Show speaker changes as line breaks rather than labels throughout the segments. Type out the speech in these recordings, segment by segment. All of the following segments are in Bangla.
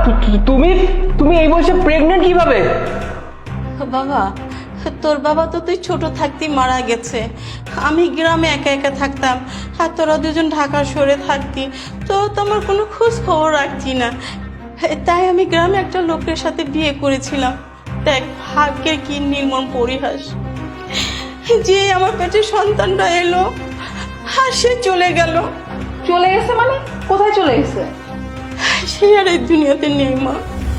তুমি তুমি এই বয়সে প্রেগনেন্ট কিভাবে?
বাবা, তোর বাবা তো তুই ছোট থাকতেই মারা গেছে। আমি গ্রামে একা একা থাকতাম, আর তোরা দুজন ঢাকা শহরে থাকতি, তো আমার কোনো খোঁজ খবর রাখতি না। তাই আমি গ্রামে একটা লোকের সাথে বিয়ে করেছিলাম। দেখ ভাগ্যের কি নির্মম পরিহাস, যে আমার পেটে সন্তানটা এলো আর সে চলে গেল।
চলে গেছে মানে? কোথায় চলে গেছে?
সে আর এই দুনিয়াতে নেই মা।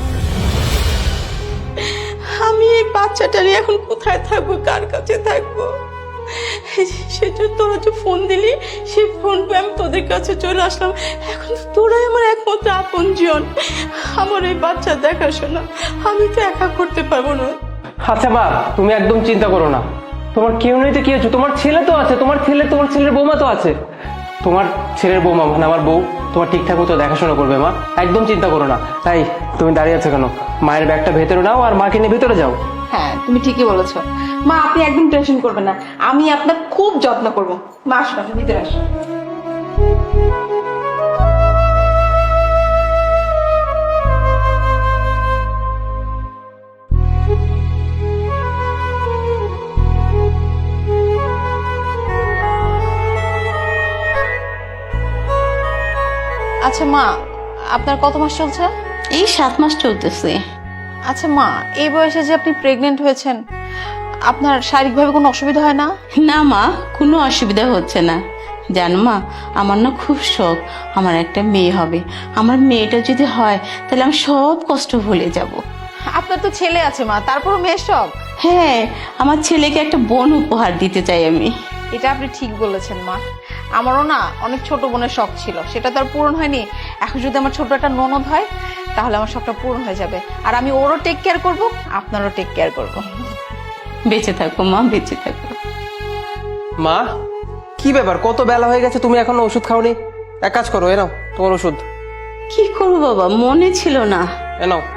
আমি এই বাচ্চাটা নিয়ে এখন কোথায় থাকবো, কার কাছে থাকবো? সেটা তোরা যে ফোন দিলি, সেই ফোন পেয়ে আমি তোদের কাছে চলে আসলাম। এখন তো তোরাই আমার একমাত্র আপনজন। আমার এই বাচ্চা দেখাশোনা আমি তো একা করতে পারবো না।
আচ্ছা মা, তুমি একদম চিন্তা করো না। তোমার কেউ নেই তো কি হচ্ছে? তোমার ছেলে তো আছে, তোমার ছেলের বৌমা তো আছে। তোমার ছেলের বৌমা মানে আমার বউ তোমার ঠিকঠাক মতো দেখাশোনা করবে মা, একদম চিন্তা করো না। তাই তুমি দাঁড়িয়ে আছো কেন? মায়ের ব্যাগটা ভেতরে নাও আর মাকে নিয়ে ভেতরে যাও।
হ্যাঁ, তুমি ঠিকই বলেছো মা, আপনি একদম টেনশন করবেন না, আমি আপনার খুব যত্ন করবো। মা আসুন, আপনি ভিতরে আসুন। আচ্ছা মা, আপনার কত মাস চলছে?
এই 7 মাস চলতেছে।
আচ্ছা মা, এই বয়সে যে আপনি প্রেগনেন্ট হয়েছেন, আপনার শারীরিকভাবে কোনো অসুবিধা হয় না?
না মা, কোনো অসুবিধা হচ্ছে না। জানো মা, আমার না খুব শখ আমার একটা মেয়ে হবে। আমার মেয়েটা যদি হয় তাহলে আমি সব কষ্ট ভুলে যাব।
আপনার তো ছেলে আছে মা, তারপরও মেয়ের শখ?
হ্যাঁ, আমার ছেলেকে একটা বোন উপহার দিতে চাই আমি।
এটা আপনি ঠিক বলেছেন মা, আমারও না অনেক ছোট বোনের শখ ছিল, সেটা তো আর পূরণ হয়নি। এখন যদি আমার ছোট একটা ননদ হয় তাহলে আমার শখটা পূরণ হয়ে যাবে, আর আমি ওরও টেক কেয়ার করব, আপনারও টেক কেয়ার করব।
বেঁচে থাকো মা, বেঁচে থাকো।
মা, কি ব্যাপার? কত বেলা হয়ে গেছে, তুমি এখনো ওষুধ খাওনি? এক কাজ করো, এ নাও তোমার ওষুধ।
কি করবো বাবা, মনে ছিল না।
এ নাও।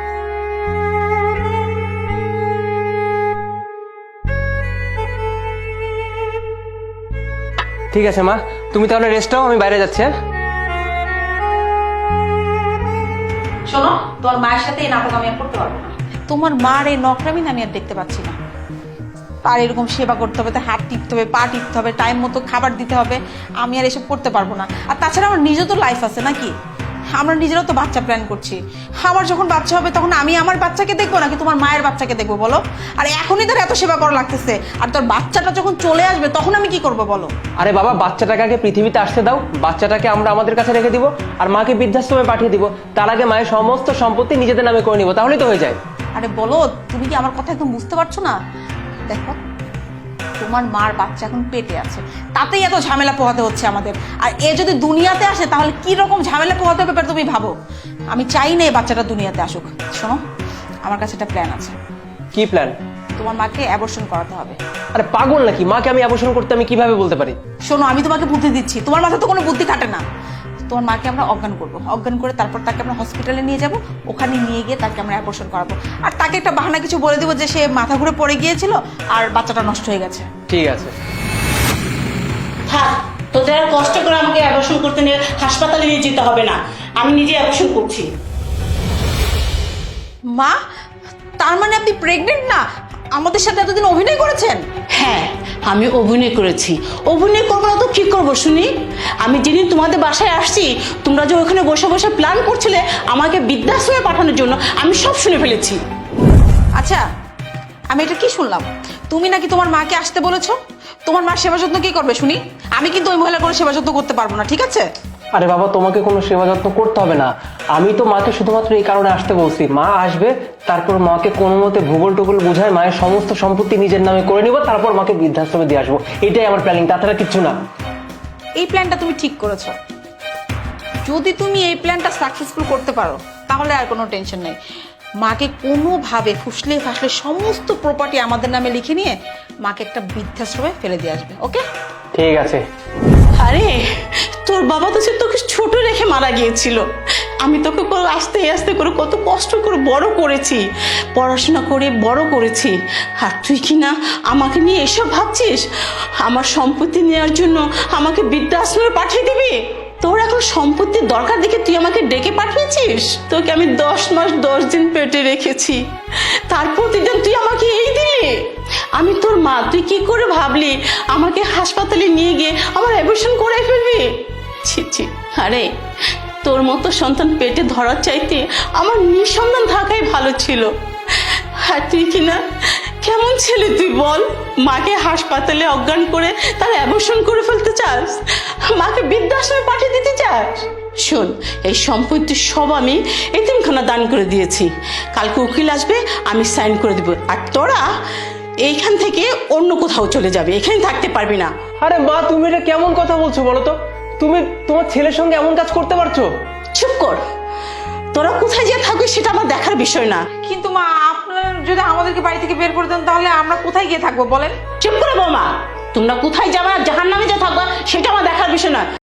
ঠিক আছে মা, তুমি তাহলে রেস্ট নাও, আমি বাইরে যাচ্ছি। হ্যাঁ,
শোনো, তোমার মায়ের সাথে এই নাটক আমি আর করতে পারবো না। তোমার মার এই নকরামি আমি আর দেখতে পাচ্ছি না। তার এরকম সেবা করতে হবে, তার হাত টিপতে হবে, পা টিপতে হবে, টাইম মতো খাবার দিতে হবে, আমি আর এসব করতে পারবো না। আর তাছাড়া আমার নিজের তো লাইফ আছে নাকি? আমরা নিজেরাও তো বাচ্চা প্ল্যান করছি। আমার যখন বাচ্চা হবে তখন আমি আমার বাচ্চাকে দেখবো নাকি তোমার মায়ের বাচ্চাকে দেখবো বলো? আর এখনই তোর এত সেবা করা লাগতেছে, আর তোর বাচ্চাটা যখন চলে আসবে তখন আমি কি করবো বলো?
আরে বাবা, বাচ্চাটাকে আগে পৃথিবীতে আসতে দাও, বাচ্চাটাকে আমরা আমাদের কাছে রেখে দিব আর মাকে বৃদ্ধাশ্রমে পাঠিয়ে দিব। তার আগে মায়ের সমস্ত সম্পত্তি নিজেদের নামে করে নিব, তাহলেই তো হয়ে যায়।
আরে বলো, তুমি কি আমার কথা একদম বুঝতে পারছো না? দেখো, তোমার মার বাচ্চা এখন পেটে আছে, তাতেই এত ঝামেলা পোহাতে হচ্ছে আমাদের। আর এ যদি দুনিয়াতে আসে তাহলে কি রকম ঝামেলা পোহাতে হবে তুমি ভাবো। আমি চাই না এই বাচ্চাটা দুনিয়াতে আসুক। শোনো, আমার কাছে একটা প্ল্যান আছে।
কি প্ল্যান?
তোমার মাকে অ্যাবর্শন করাতে হবে।
আরে পাগল নাকি? মাকে আমি অ্যাবর্শন করতে আমি কিভাবে বলতে পারি?
শোনো, আমি তোমাকে বুদ্ধি দিচ্ছি, তোমার মাথায় তো কোনো বুদ্ধি কাটে না। তোমার মাকে আমরা অজ্ঞান করবো, অজ্ঞান করে তারপর তাকে আমরা হসপিটালে নিয়ে যাব, ওখানে নিয়ে গিয়ে তাকে আমরা অ্যাবর্শন করাবো। আর তাকে একটা বাহানা কিছু বলে দেবো যে সে মাথা ঘুরে পড়ে গিয়েছিল আর বাচ্চাটা নষ্ট হয়ে গেছে।
ঠিক আছে।
থাক, তোদের আর কষ্ট করে আমাকে অ্যাবর্শন করতে নিয়ে হাসপাতালে নিয়ে যেতে হবে না, আমি নিজে অ্যাবর্শন করছি।
মা, তার মানে আপনি প্রেগনেন্ট না? আমাদের সাথে এতদিন অভিনয় করেছেন?
হ্যাঁ, আমি অভিনয় করেছি। অভিনয় করবো না তো কি করবো শুনি? আমি যেদিন তোমাদের বাসায় আসছি, তোমরা যে ওখানে বসে বসে প্ল্যান করছিলে আমাকে বৃদ্ধাশ্রমে পাঠানোর জন্য, আমি সব শুনে ফেলেছি।
আচ্ছা, আমি এটা কি শুনলাম? তুমি নাকি তোমার মাকে আসতে বলেছো? তোমার মার সেবা যত্ন কি করবে শুনি? আমি কিন্তু ওই মহিলা কোনো সেবা যত্ন করতে পারবো না, ঠিক আছে?
আরে বাবা, তোমাকে কোনো সেবা যত্ন করতে হবে না। আমি তো মাকে শুধুমাত্র এই কারণে আসতে বলছি, মা আসবে, তারপর মাকে কোনো মতে ভূগোল টুগোল বুঝায় মায়ের সমস্ত সম্পত্তি নিজের নামে করে নিব, তারপর মাকে বৃদ্ধাশ্রমে দিয়ে আসবো। এটাই আমার প্ল্যানিং, তাছাড়া কিচ্ছু না।
এই প্ল্যানটা তুমি ঠিক করেছো। যদি তুমি এই প্ল্যানটা সাকসেসফুল করতে পারো তাহলে আর কোনো টেনশন নেই। মাকে কোনোভাবে ফুসলে ফাসলে সমস্ত প্রপার্টি আমাদের নামে লিখে নিয়ে মাকে একটা বৃদ্ধাশ্রমে ফেলে দিয়ে আসবে, ওকে?
ঠিক আছে।
আরে তোর বাবা তো সে তোকে ছোট রেখে মারা গিয়েছিল। আমি তোকে আস্তে আস্তে করে কত কষ্ট করে বড় করেছি, পড়াশোনা করে বড় করেছি, আর তুই কি না আমাকে নিয়ে এসব ভাবছিস? আমার সম্পত্তি নেওয়ার জন্য আমাকে বৃদ্ধাশ্রমে পাঠিয়ে দিবি? তোর এখন সম্পত্তির দরকার দেখে তুই আমাকে ডেকে পাঠিয়েছিস? তোকে আমি 10 মাস 10 দিন পেটে রেখেছি, তার প্রতিদিন তুই আমাকে এই দিলি? আমি তোর মা, তুই কি করে ভাবলি আমাকে হাসপাতালে নিয়ে গিয়ে আমার অ্যাবর্শন করে ফেলবি? ছি ছি। আরে তোর মতো সন্তান পেটে ধরার চাইতে আমার নিঃসন্তান থাকাই ভালো ছিল। আর তুই কিনা কেমন ছেলে তুই বল? মাকে হাসপাতালে অজ্ঞান করে তার অ্যাবর্শন করে ফেলতে চাস, মাকে বৃদ্ধাশ্রমে পাঠিয়ে দিতে চাস? শোন, এই সম্পত্তি সব আমি এতিমখানা দান করে দিয়েছি। কালকে উকিল আসবে, আমি সাইন করে দিব, আর তোরা এইখান থেকে অন্য কোথাও চলে যাবে, এখানে থাকতে পারবি না।
আরে মা, তুমি এটা কেমন কথা বলছো বলো তো? তুমি তোমার ছেলের সঙ্গে এমন কাজ করতে পারছো?
চুপ কর, তোরা কোথায় গিয়ে থাকবি সেটা আমার দেখার বিষয় না।
কিন্তু মা, আপনার যদি আমাদেরকে বাড়ি থেকে বের করে দেন তাহলে আমরা কোথায় গিয়ে থাকবো বলেন?
চুপ করে বৌমা, তোমরা কোথায় যাবা, জাহান্নামে যা থাকবা সেটা আমার দেখার বিষয় না।